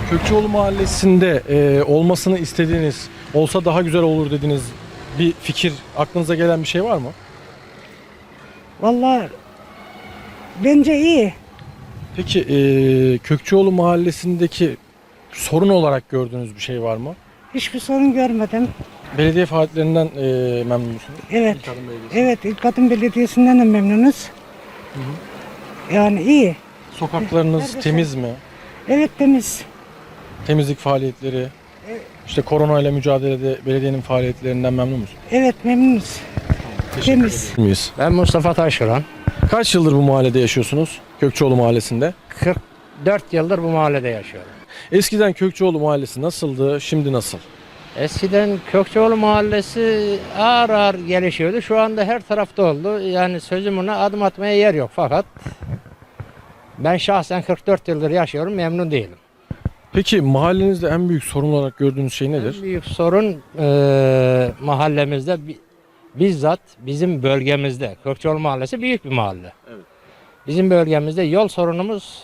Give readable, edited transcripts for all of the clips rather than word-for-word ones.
Kökçeoğlu Mahallesi'nde olmasını istediğiniz, olsa daha güzel olur dediğiniz bir fikir, aklınıza gelen bir şey var mı? Vallahi bence iyi. Peki Kökçeoğlu Mahallesi'ndeki sorun olarak gördüğünüz bir şey var mı? Hiçbir sorun görmedim. Belediye faaliyetlerinden memnun musunuz? Evet. İlk Adım Belediyesi. Evet, İlkadın Belediyesi'nden de memnunuz. Yani iyi. Sokaklarınız Neredeyse. temiz mi? Evet, temiz. Temizlik faaliyetleri, işte korona ile mücadelede belediyenin faaliyetlerinden memnun musunuz? Evet, memnunuz. Temiz. Miyiz? Ben Mustafa Taşuran. Kaç yıldır bu mahallede yaşıyorsunuz? Kökçeoğlu Mahallesi'nde. 44 yıldır bu mahallede yaşıyorum. Eskiden Kökçeoğlu Mahallesi nasıldı, şimdi nasıl? Eskiden Kökçeoğlu Mahallesi ağır ağır gelişiyordu. Şu anda her tarafta oldu. Yani sözüm ona adım atmaya yer yok. Fakat ben şahsen 44 yıldır yaşıyorum, memnun değilim. Peki mahallenizde en büyük sorun olarak gördüğünüz şey En nedir? büyük sorun mahallemizde bizzat bizim bölgemizde. Kökçeoğlu Mahallesi büyük bir mahalle. Evet. Bizim bölgemizde yol sorunumuz,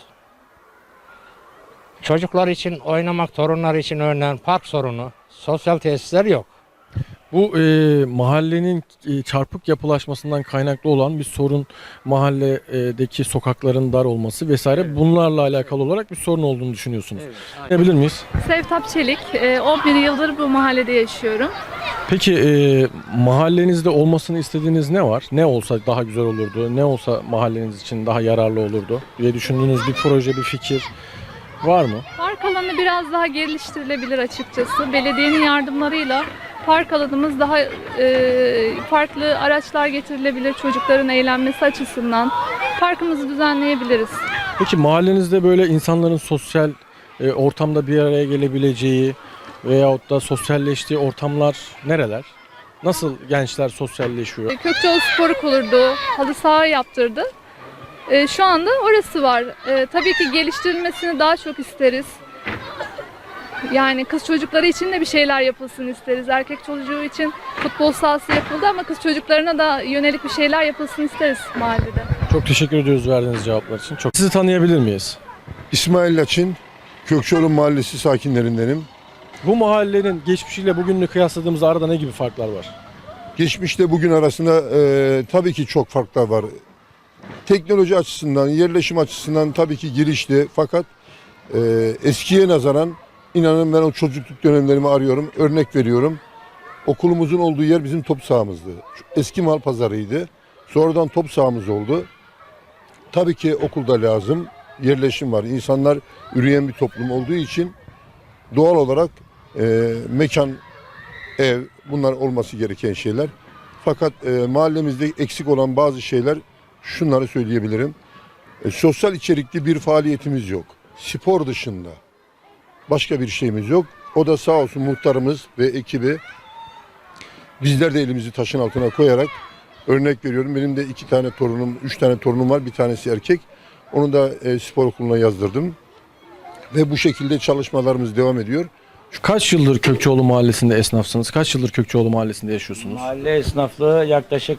çocuklar için oynamak, torunlar için örneğin park sorunu, sosyal tesisler yok. Bu mahallenin çarpık yapılaşmasından kaynaklı olan bir sorun, mahalledeki sokakların dar olması vesaire, bunlarla alakalı olarak bir sorun olduğunu düşünüyorsunuz. Bilir miyiz? Sevtap Çelik, 11 yıldır bu mahallede yaşıyorum. Peki mahallenizde olmasını istediğiniz ne var? Ne olsa daha güzel olurdu? Ne olsa mahalleniz için daha yararlı olurdu diye düşündüğünüz bir proje, bir fikir var mı? Park alanı biraz daha geliştirilebilir açıkçası. Belediyenin yardımlarıyla park alanımız daha farklı araçlar getirilebilir çocukların eğlenmesi açısından. Parkımızı düzenleyebiliriz. Peki mahallenizde böyle insanların sosyal ortamda bir araya gelebileceği veyahut da sosyalleştiği ortamlar nereler? Nasıl gençler sosyalleşiyor? Kökçeoğlu Spor kurdu, halı saha yaptırdı. Şu anda orası var. Tabii ki geliştirilmesini daha çok isteriz. Yani kız çocukları için de bir şeyler yapılsın isteriz. Erkek çocuğu için futbol sahası yapıldı ama kız çocuklarına da yönelik bir şeyler yapılsın isteriz mahallede. Çok teşekkür ediyoruz verdiğiniz cevaplar için. Sizi tanıyabilir miyiz? İsmail Laçin, Kökçeoğlu Mahallesi sakinlerindenim. Bu mahallenin geçmişiyle bugününü kıyasladığımızda arada ne gibi farklar var? Geçmişte bugün arasında tabii ki çok farklar var. Teknoloji açısından, yerleşim açısından tabii ki girişti. Fakat eskiye nazaran inanın ben o çocukluk dönemlerimi arıyorum. Örnek veriyorum. Okulumuzun olduğu yer bizim top sahamızdı. Eski mal pazarıydı. Sonradan top sahamız oldu. Tabii ki okulda lazım. Yerleşim var. İnsanlar üreyen bir toplum olduğu için doğal olarak mekan, ev bunlar olması gereken şeyler. Fakat mahallemizde eksik olan bazı şeyler şunları söyleyebilirim. Sosyal içerikli bir faaliyetimiz yok. Spor dışında başka bir şeyimiz yok. O da sağ olsun muhtarımız ve ekibi bizler de elimizi taşın altına koyarak örnek veriyorum. Benim de 2 tane torunum, 3 tane torunum var. Bir tanesi erkek. Onu da spor okuluna yazdırdım. Ve bu şekilde çalışmalarımız devam ediyor. Kaç yıldır Kökçeoğlu Mahallesi'nde esnafsınız? Kaç yıldır Kökçeoğlu Mahallesi'nde yaşıyorsunuz? Mahalle esnaflığı yaklaşık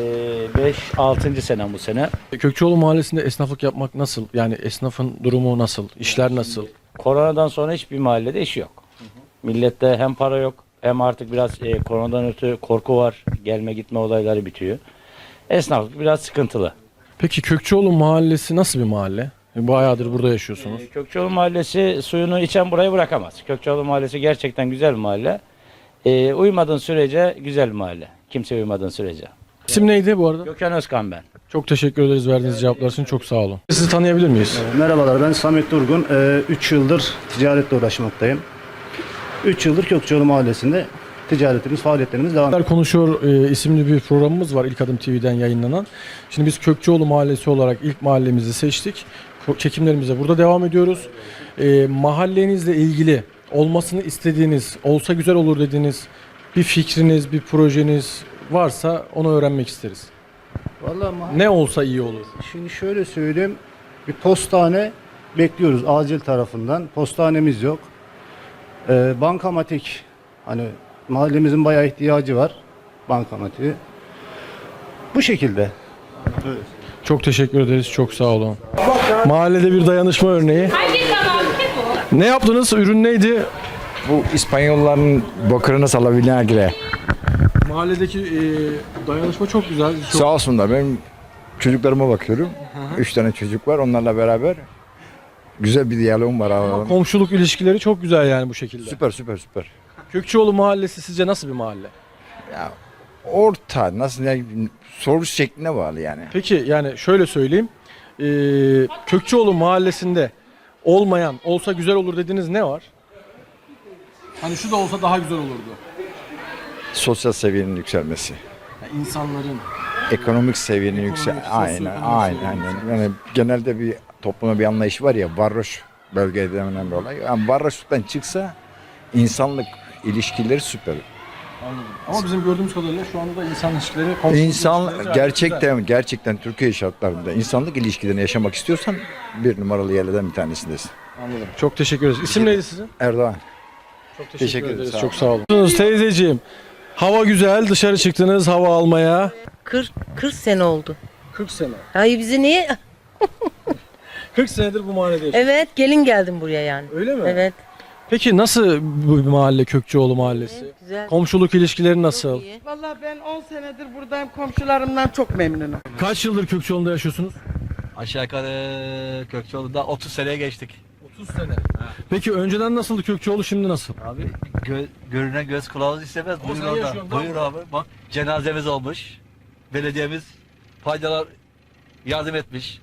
5-6. senem bu sene. Kökçeoğlu Mahallesi'nde esnaflık yapmak nasıl? Yani esnafın durumu nasıl? İşler nasıl? Koronadan sonra hiçbir mahallede iş yok. Millette hem para yok hem artık biraz koronadan ötürü korku var. Gelme gitme olayları bitiyor. Esnaflık biraz sıkıntılı. Peki Kökçeoğlu Mahallesi nasıl bir mahalle? Bayağıdır burada yaşıyorsunuz. Kökçeoğlu Mahallesi suyunu içen burayı bırakamaz. Kökçeoğlu Mahallesi gerçekten güzel bir mahalle. Uymadığın sürece güzel bir mahalle. Kimse uymadığın sürece. İsim neydi bu arada? Gökhan Özkan ben. Çok teşekkür ederiz verdiğiniz cevaplar için. Çok sağ olun. Sizi tanıyabilir miyiz? Merhabalar, ben Samet Durgun. 3 yıldır ticaretle uğraşmaktayım. 3 yıldır Kökçeoğlu Mahallesi'nde ticaretimiz, faaliyetlerimiz devam ediyor. Konuşuyor isimli bir programımız var İlk Adım TV'den yayınlanan. Şimdi biz Kökçeoğlu Mahallesi olarak ilk mahallemizi seçtik. Çekimlerimize burada devam ediyoruz. Mahallenizle ilgili olmasını istediğiniz, olsa güzel olur dediğiniz bir fikriniz, bir projeniz varsa onu öğrenmek isteriz. Vallahi Ne olsa iyi olur. şimdi şöyle söyleyeyim. Bir postane bekliyoruz acil tarafından. Postanemiz yok. Bankamatik, hani mahallemizin bayağı ihtiyacı var bankamatiğe. Bu şekilde. Çok teşekkür ederiz. Çok sağ olun. Mahallede bir dayanışma örneği. Hangi kanal ki bu? Ne yaptınız? Ürün neydi? Bu İspanyolların bokırını salabilen gire. Mahalledeki dayanışma çok güzel. Çok... Sağ olsunlar, benim çocuklarıma bakıyorum. 3 tane çocuk var, onlarla beraber güzel bir diyalogum var. Ama komşuluk ilişkileri çok güzel yani bu şekilde. Süper süper süper. Kökçeoğlu Mahallesi sizce nasıl bir mahalle? Ya orta, nasıl yani, soru şekline bağlı yani. Peki yani şöyle söyleyeyim. Kökçeoğlu Mahallesi'nde olmayan, olsa güzel olur dediğiniz ne var? Hani şu da olsa daha güzel olurdu. Sosyal seviyenin yükselmesi. Yani insanların Ekonomik seviyenin aynen sosyoekonomik aynen seviyenin aynen. Yani genelde bir topluma bir anlayış var ya, varoş bölgede denilen bir olay. Yani varoşluktan çıksa insanlık ilişkileri süper. anladım. Ama bizim gördüğümüz kadarıyla şu anda da insan ilişkileri, komşuluk ilişkileri İnsan gayet güzel. gerçekten Türkiye şartlarında insanlık ilişkilerini yaşamak istiyorsan bir numaralı yerlerden bir tanesindesin. Anladım. Çok teşekkür ederiz. İsim neydi sizin? Erdoğan. Çok Teşekkür ederiz. Çok sağ olun. Teyzeciğim, hava güzel. Dışarı çıktınız hava almaya. 40 sene oldu. 40 sene. Hayır bizi niye? 40 senedir bu mahallede yaşıyorsunuz. Evet gelin geldim buraya yani. Öyle mi? Evet. Peki nasıl bu mahalle Kökçeoğlu Mahallesi? Güzel. Komşuluk ilişkileri nasıl? İyi. Vallahi ben 10 senedir buradayım. Komşularımdan çok memnunum. Kaç yıldır Kökçeoğlu'nda yaşıyorsunuz? Aşağı yukarı Kökçeoğlu'nda 30 seneye geçtik. 30 sene. Peki önceden nasıldı Kökçeoğlu, şimdi nasıl? Abi görünen göz kılavuz istemez. O Buyur sen orada. yaşıyorsun, değil Buyur mi? abi. Bak cenazemiz olmuş. Belediyemiz faydalar yardım etmiş.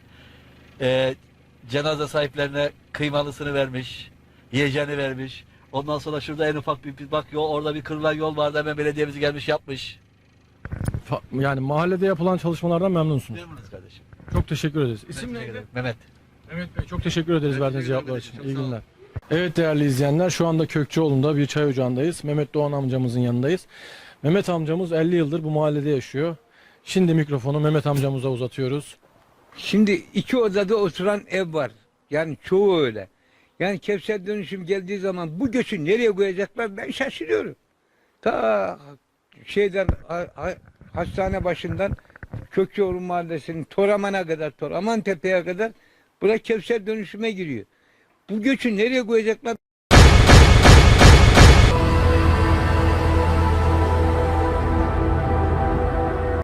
Cenaze sahiplerine kıymalısını vermiş. Yiyeceğini vermiş. Ondan sonra şurada en ufak bir bak yol, orada bir kırılan yol vardı, hemen belediyemiz gelmiş yapmış. Yani mahallede yapılan çalışmalardan memnunsunuz. Memnunuz kardeşim. Çok teşekkür ederiz. İsim neydi? Mehmet. Mehmet Bey, çok teşekkür ederiz verdiğiniz cevaplar için. İyi günler. Evet değerli izleyenler, şu anda Kökçeoğlu'nda bir çay ocağındayız. Mehmet Doğan amcamızın yanındayız. Mehmet amcamız 50 yıldır bu mahallede yaşıyor. Şimdi mikrofonu Mehmet amcamıza uzatıyoruz. Şimdi 2 odada oturan ev var. Yani çoğu öyle. Yani Kevser dönüşüm geldiği zaman bu göçü nereye koyacaklar ben şaşırıyorum. Ta şeyden hastane başından Kökçeoğlu Mahallesi'nin Toraman'a kadar, Toraman Tepe'ye kadar bura Kevser dönüşüme giriyor. Bu göçü nereye koyacaklar